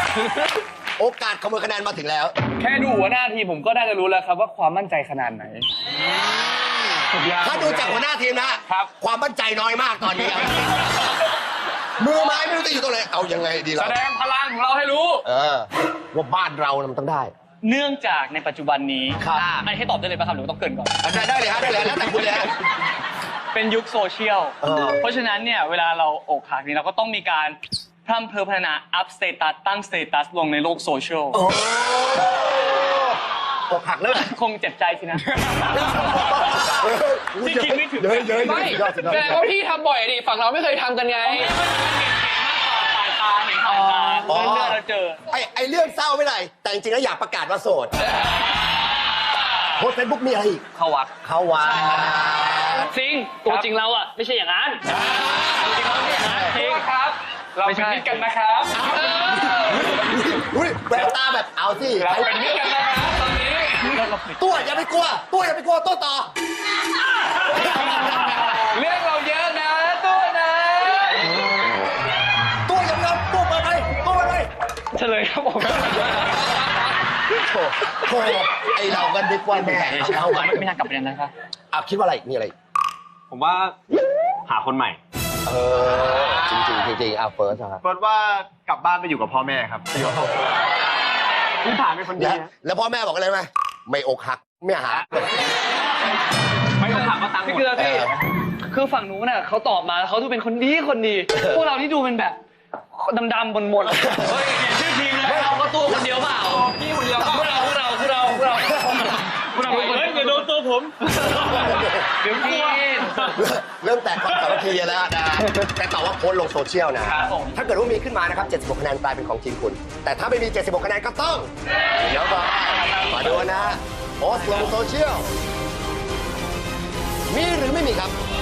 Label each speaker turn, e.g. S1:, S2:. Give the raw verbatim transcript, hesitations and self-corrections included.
S1: โอกาสขโมยคะแนนมาถึงแล้ว
S2: แค่ดูหัวหน้าทีมผมก็น่าจะรู้แล้วครับว่าความมั่นใจขนาดไหน
S1: ถ้าดูจากหัวหน้าทีมนะครับ ความมั่นใจน้อยมากตอนนี้ มือไม้ไม่รู้จะอยู่ตรงไหนเอายังไงดี
S2: แส
S1: เรา
S2: ดงพลังของเราให้รู้
S1: เออว่าบ้านเรามันต้องได้
S3: เนื่องจากในปัจจุบันนี้
S1: ครับ
S3: ไอ้ให้ตอบได้เลยป่ะครับหรือว่าต้องเกรินก่อน
S1: ได้ได้เลยฮะได้เลยแล้วแต่คุณเลยฮะ
S3: เป็นยุคโซเชียล
S1: เออ
S3: เพราะฉะนั้นเนี่ยเวลาเราอกหักนี่เราก็ต้องมีการพร่ำเพอพัฒนาอัพสเตตัสตั้งสเตตัสลงในโลกโซเชียล
S1: โอ้อกหักแล้ว
S3: คงเจ็บใจสินะ ที่คิดไม่ถึง
S1: เยอะเยอะ
S2: ไม่
S1: ยอดสุดยอด
S2: แสดงว่าพี่ทำบ่อยดิฝั่งเราไม่เคยทำกันไง
S3: สายตาเห็นสายตาเลื่อนๆเราเจอ
S1: ไอไอเรื่องเศร้าไม่ไรแต่จริงๆแล้วอยากประกาศว่าโสดโพสเฟซบุ๊กมีอะไรอีก
S3: เข้าวัด
S1: เข้าวัด
S3: จริงตัวจริงเราอ่ะไม่ใช่อย่างนั้นจริงเราไม่ใช่อย่างนั้นจริง
S2: ครับ เราเป็นมิตรกันนะครับ
S1: อุ้ยแววตาแบบเอาสิ
S2: เราเป็นมิตรกันนะครับตอนนี้
S1: ตัวอย่าไปกลัว ตัวอย่าไปกลัวตัวต่อ
S2: เรื่องเราเยอะนะตัวนะ
S1: ตัวอย่าไปรับตัวเปิดไปตัวเปิดไป
S3: เฉลยครับผม
S1: โถโถไอเรากันดีกว่าแม่เอากัน
S3: ไม่น่ากลับไปนั้นนะครับ
S1: อ่ะคิดว่าอะไรอีกมีอะไรอีก
S4: ผมว่าหาคนใหม่
S1: เออจริงจริงจริงๆอ่ะเฟิร์สครับ
S4: เฟิร์สว่ากลับบ้านไปอยู่กับพ่อแม่ครับพื้นฐานเป็นคนดี
S1: แล้ว
S4: นะ
S1: แล้วพ่อแม่บอกอะไรไหมไม่อกหักไม่หา
S4: ไม่ต้องถามว่าตังค์หม
S3: พี่
S4: ด
S3: เกลือ
S1: เอ
S3: พี่
S1: อ
S3: คือฝั่งนู้นน่ะเขาตอบมาเขาดูเป็นคนดีคนดี พวกเราที่ดูเป็นแบบดำๆบนๆเฮ้ยชื่อทีมเลยเราก็ตัวคนเดียวเปล่าพี่คนเดียวพวกเราพวกเราพวกเราพวกเราพวกเราเฮ้ยอย่าโดนตัวผมเดี๋ยวพี่
S1: เริ่มแตกความสามัคคีแล้วนะแต่ตอบว่าโพสต์ลงโซเชียลนะ
S3: ครับผม
S1: ถ้าเกิดว่ามีขึ้นมานะครับเจ็ดสิบหกคะแนนกลายเป็นของทีมคุณ แต่ถ้าไม่มีเจ็ดสิบหกคะแนนก็ต้องเดี๋ยวก่อนมาดูนะโพสต์ลงโซเชียลมีหรือไม่มีครับ